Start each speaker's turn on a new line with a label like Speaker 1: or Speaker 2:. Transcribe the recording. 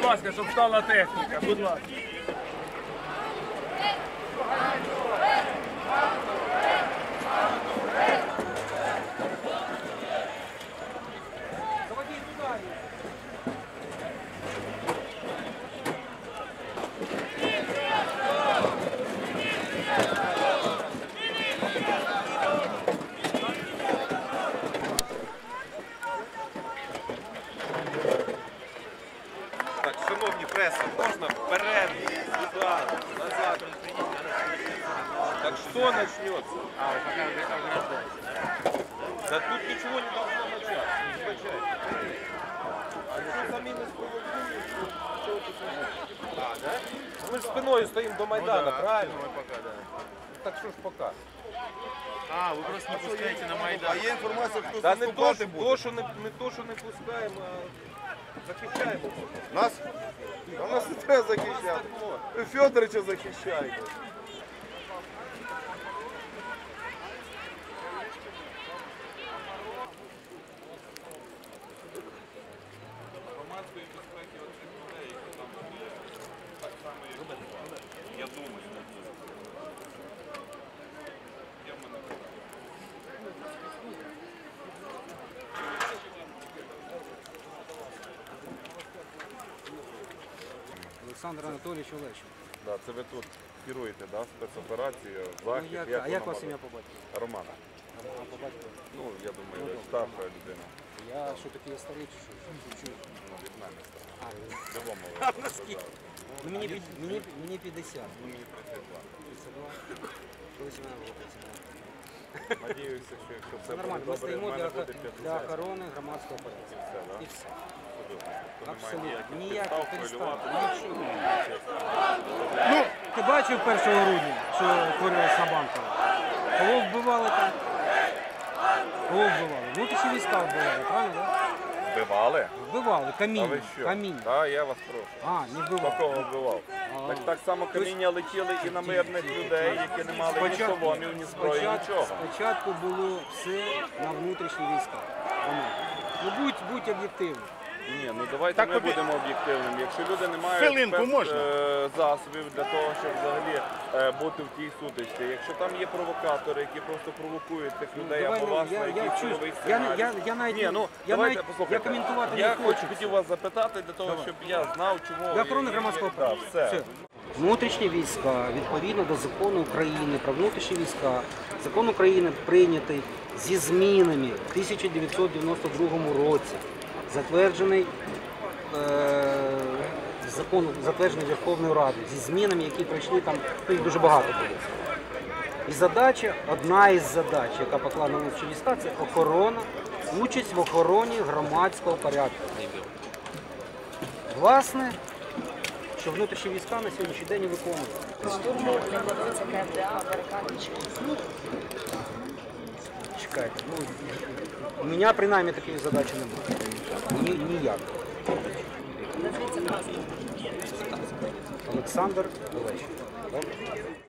Speaker 1: будь ласка, щоб стала техніка, будь ласка.
Speaker 2: Так, шановні преса, можна вперед, сюди, назад. Так что начнется? Да тут ничего не должно начаться, не скачайте. А что сами не спровокуют, что тут начнется? А, да? Мы же спиной стоим до Майдана, правильно? Пока, да. Так что ж пока?
Speaker 3: А, ви просто не пускаєте на Майдан.
Speaker 4: А є інформація, хто
Speaker 2: Та не
Speaker 4: заступати
Speaker 2: то,
Speaker 4: буде?
Speaker 2: що не пускаємо, а захищаємо.
Speaker 4: Нас? А нас не треба захищати. Федоровича захищаємо.
Speaker 2: Громадської безпеки оцих людей, які там є, так само, як я думаю, є в мене питання.
Speaker 5: Олександр Анатолійович Олещенко.
Speaker 4: Да, це ви тут керуєте, да, спецоперацію,
Speaker 5: Ну,
Speaker 4: захід.
Speaker 5: а як вас
Speaker 4: воно
Speaker 5: ім'я
Speaker 4: буде?
Speaker 5: по батьку?
Speaker 4: Роман.
Speaker 5: А по батьку?
Speaker 4: Ну, я думаю, ви старша людина.
Speaker 5: Я що таке старий чи що? Чую.
Speaker 4: Ну, від мене старша.
Speaker 5: А,
Speaker 4: Любому ви
Speaker 5: наскільки? Ну, мені 50.
Speaker 4: Ну, мені 32.
Speaker 5: 32. Колись у мене було 32.
Speaker 4: Надіюся, що якщо все буде
Speaker 5: Нормально, ми
Speaker 4: добре, в
Speaker 5: стоїмо
Speaker 4: мене буде
Speaker 5: для
Speaker 4: 50.
Speaker 5: охорони громадського порядку.
Speaker 4: І все, да?
Speaker 5: І все.
Speaker 4: Чудово. То немає
Speaker 5: Абсолютно.
Speaker 4: ніяких
Speaker 5: Ніяких
Speaker 4: підстав
Speaker 5: підстав.
Speaker 4: хвилювати.
Speaker 5: Ну, ти бачив 1 грудня, що творилось на Банково? Кого вбивали там? Кого вбивали? Внутрішні війська вбивали, правильно, так?
Speaker 4: Вбивали?
Speaker 5: Вбивали,
Speaker 4: А ви
Speaker 5: каміння.
Speaker 4: що?
Speaker 5: Каміння.
Speaker 4: Так, я вас прошу.
Speaker 5: А, не вбивали.
Speaker 4: Такого вбивав. Так само каміння летіли і на мирних людей, які не мали ні соломів, ні зброї, нічого.
Speaker 5: Спочатку було все на внутрішні війська. Ну будь об'єктивним.
Speaker 4: Ні, ну давайте ми будемо об'єктивними. Якщо люди не мають засобів для того, щоб взагалі бути в тій сутичці, якщо там є провокатори, які просто провокують тих людей або вас на якийсь силовий сценарій.
Speaker 5: Я навіть
Speaker 4: Ні, ну
Speaker 5: я
Speaker 4: давайте
Speaker 5: навіть-
Speaker 4: послухайте.
Speaker 5: я коментувати
Speaker 4: Я
Speaker 5: не хочу.
Speaker 4: хотів вас запитати для того, щоб я знав, чому...
Speaker 5: Для охорони громадського
Speaker 4: Так,
Speaker 5: права.
Speaker 4: все.
Speaker 5: Внутрішні війська, відповідно до закону України про внутрішні війська, закон України прийнятий зі змінами в 1992 році, затверджений затверджений Верховною Радою, зі змінами, які пройшли там, їх дуже багато було. І задача, одна із задач, яка покладена на внутрішні війська, це охорона, участь в охороні громадського порядку. Власне, що внутрішні війська на сьогоднішній день і виконують.
Speaker 6: Штурму не планується КМДА, барикади чи
Speaker 5: Чекайте, ну, у мене принаймні такої задачі немає. Ніяк.
Speaker 6: назвіться власне.
Speaker 5: Олександр Олещенко.